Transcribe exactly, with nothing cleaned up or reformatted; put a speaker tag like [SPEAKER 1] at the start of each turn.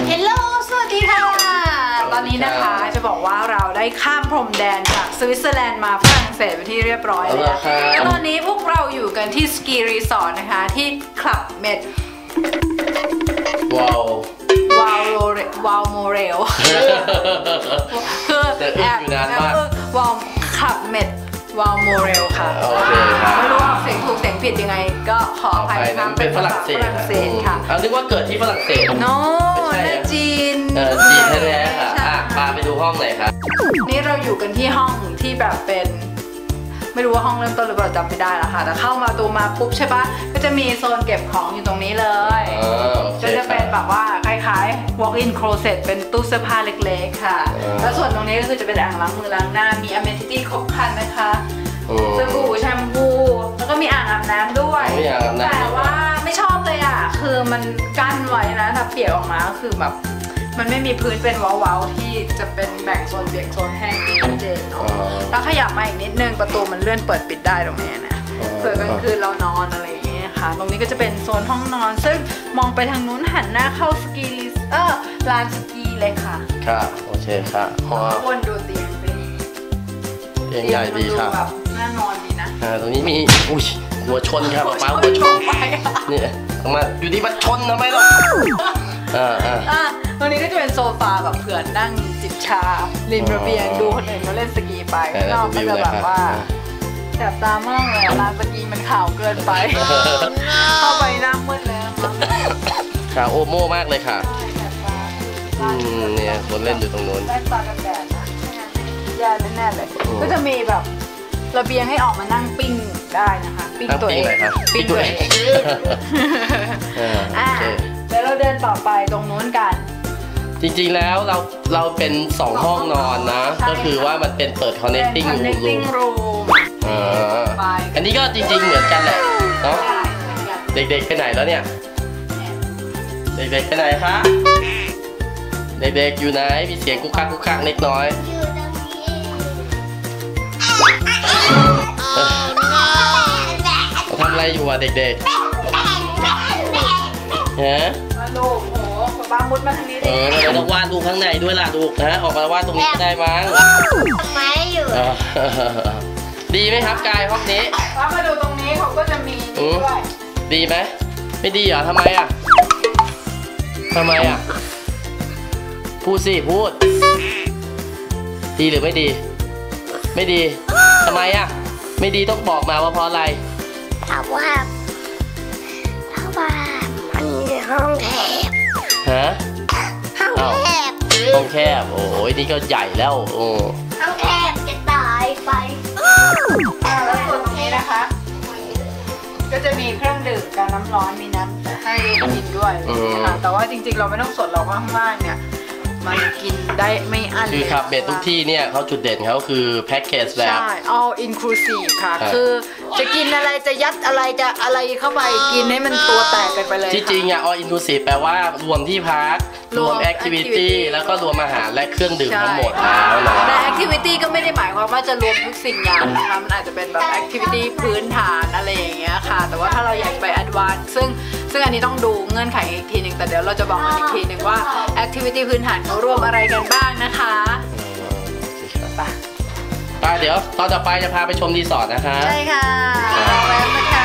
[SPEAKER 1] เฮลโลสวัสดีค่ะตอนนี้นะคะจะบอกว่าเราได้ข้ามพรมแดนจากสวิตเซอร์แลนด์มาฝรั่งเศสไปที่เรียบร้อยแล้วแล้วตอนนี้พวกเราอยู่กันที่สกีรีสอร์ทนะคะที่คลับเมด
[SPEAKER 2] ว้าว
[SPEAKER 1] วาววาวโมเรลคือแอบวาวคลับเมดวาวโมเรลค่ะไม่รู้ว่าเสียงถูกเสียงผิดยังไงก็ขออภัยนะ
[SPEAKER 2] เป็นฝรั่งเศสค่ะเอานึกว่าเกิดที่ฝรั่งเศส
[SPEAKER 1] โน้ในจีน
[SPEAKER 2] เออจีนแท้ๆค่ะพาไปดูห้องไหนครับ
[SPEAKER 1] นี่เราอยู่กันที่ห้องที่แบบเป็นไม่รู้ว่าห้องเริ่มต้นหรือเปล่าจำไม่ได้แล้วค่ะแต่เข้ามาตัวมาปุ๊บใช่ปะก็จะมีโซนเก็บของอยู่ตรงนี้เลยก็จะเป็นแบบว่าคล้ายๆ walk-in closet เป็นตู้เสื้อผ้าเล็กๆค่ะแล้วส่วนตรงนี้ก็คือจะเป็นอ่างล้างมือล้างหน้ามี amenity ครบครันนะคะสบู่แชมพูแล้วก็มีอ่างอาบน้ำด้วยแต่ว่าไม่ชอบเลยอ่ะคือมันกั้นไว้นะถ้าเปียกออกมาก็คือแบบมันไม่มีพื้นเป็นเว้าๆที่จะเป็นแบ่งโซนเปียกโซนแห้งที่ชัดเจนเนาะถ้าขยับมาอีกนิดนึงประตูมันเลื่อนเปิดปิดได้ตรงนี้นะเผื่อกลางคืนเรานอนอะไรอย่างเงี้ยค่ะตรงนี้ก็จะเป็นโซนห้องนอนซึ่งมองไปทางนู้นหันหน้าเข้าสกีเออลานสกีเลยค่ะ
[SPEAKER 2] ค่ะโอเคค่ะ
[SPEAKER 1] ควรดูเตียงสิ
[SPEAKER 2] เตียงใหญ่ดีค่ะ
[SPEAKER 1] น่านอนดีนะ
[SPEAKER 2] อ่าตรงนี้มีอุ้ยหัวชนครับป้าหัวชนนี่มาอยู่ดีมาชนทำไมล่ะอ่า
[SPEAKER 1] อ่าตรงนี้ก็จะเป็นโซฟาแบบเผื่อนั่งจิบชาริมระเบียงดูคนอื่นเขาเล่นสกีไปนอกก็จะแบบว่าแสบตามากเลยร้านสกีมันขาวเกินไปเข้าไปหน้ามืดแล้ว
[SPEAKER 2] ขาวโอโม่มากเลยค่ะเนี่ยคนเล่นอยู่ตรงนู้น
[SPEAKER 1] แว่นตากันแดดนะแย่แน่ๆเลยก็จะมีแบบระเบียงให้ออกมานั่งปิ้งได้นะคะปิ้งตัวเอง
[SPEAKER 2] ปิ้งตัวเอง
[SPEAKER 1] อ่าเดี๋ยวเราเดินต่อไปตรงนู้นกัน
[SPEAKER 2] จริงๆแล้วเราเราเป็นสองห้องนอนนะก็คือว่ามันเป็นเปิด connecting room อ่าอันนี้ก็จริงๆเหมือนกันแหละเนาะเด็กๆไปไหนแล้วเนี่ยเด็กๆไปไหนคะเด็กๆอยู่ไหนมีเสียงกุ๊กคักกุ๊กคักเล็กน้อยทำอะไรอยู่อ่ะเด็กๆฮะ
[SPEAKER 1] ลูกโอ้โหบ้ามุดมาทางนี้ดิ
[SPEAKER 2] เออเราต้องวาดรูปข้างในด้วยล่ะลูกนะออกมาวาดตรงนี้ก็ได้มั้ง
[SPEAKER 3] ไม้อยู่
[SPEAKER 2] ดีไหมครับกายห้องนี้
[SPEAKER 1] แล้วมาดูตรงนี้เขาก็จะมีด้วย
[SPEAKER 2] ดีไหมไม่ดีเหรอทำไมอ่ะทำไมอ่ะพูดสิพูดดีหรือไม่ดีไม่ดีทำไมอ่ะไม่ดีต้องบอกมาว่าเพราะอะไร
[SPEAKER 3] เพราะว่าเพราะว่ามันมีห้องแคบ
[SPEAKER 2] ฮะ
[SPEAKER 3] ห้องแคบ
[SPEAKER 2] ห้องแคบโอ้ยนี่ก็ใหญ่แล้วโอ้
[SPEAKER 3] ห้องแคบจะตายไป
[SPEAKER 1] แล้วส่วนตรงนี้นะคะก็จะมีเครื่องดื่มกับน้ำร้อนมีน้ำให้กินด้วยนะคะแต่ว่าจริงๆเราไม่ต้องสดเราข้างล่างเนี่ยมันกินได้ไม่อั้น
[SPEAKER 2] คือครับเบสทุกที่เนี่ยเขาจุดเด่นเขาคือแพ็กเกจแบบ
[SPEAKER 1] ใช่ all inclusive ค่ะคือจะกินอะไรจะยัดอะไรจะอะไรเข้าไปกินให้มันตัวแตกกันไปเลย
[SPEAKER 2] ที่จริงอ่ะ all inclusive แปลว่ารวมที่พักรวม activity แล้วก็รวมอาหารและเครื่องดื่มทั้งหมดแล้วนะ
[SPEAKER 1] แต่ activity ก็ไม่ได้หมายความว่าจะรวมทุกสิ่งอย่างนะคะมันอาจจะเป็นแบบ activity พื้นฐานอะไรอย่างเงี้ยค่ะแต่ว่าถ้าเราอยากไป advance ซึ่งซึ่งอันนี้ต้องดูเงื่อนไขอีกทีหนึ่งแต่เดี๋ยวเราจะบอกกันอีกทีหนึ่งว่า activity พื้นฐานเขารวมอะไรกันบ้างนะคะ
[SPEAKER 2] ไปเดี๋ยวตอนต่อไปจะพาไปชมรีสอร์ทนะคะ
[SPEAKER 1] ใช่ค่ะแล้วนะคะ